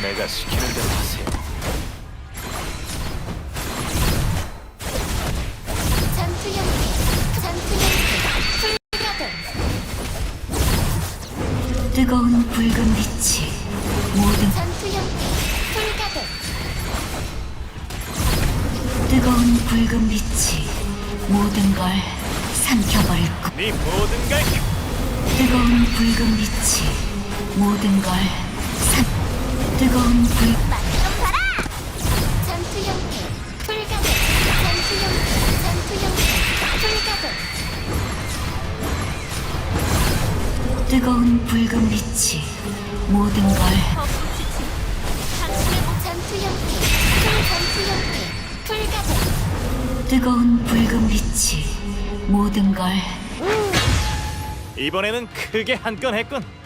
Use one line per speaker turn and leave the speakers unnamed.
내가 시키는 대로 하세요.
전투 형태, 불가동.
뜨거운 붉은 빛이 모든
전투 형태, 불가동.
뜨거운 붉은 빛이 모든 걸 삼켜버릴 것.
네 모든 걸
뜨거운 붉은 빛이 모든 걸 뜨거운 불
맛좀 봐라. 전투 형태, 불가동. 전투 형태, 불가동.
뜨거운 붉은 빛이 모든 걸
전투 형태, 불가동.
뜨거운 붉은 빛이 모든 걸
이번에는 크게 한 건 했군.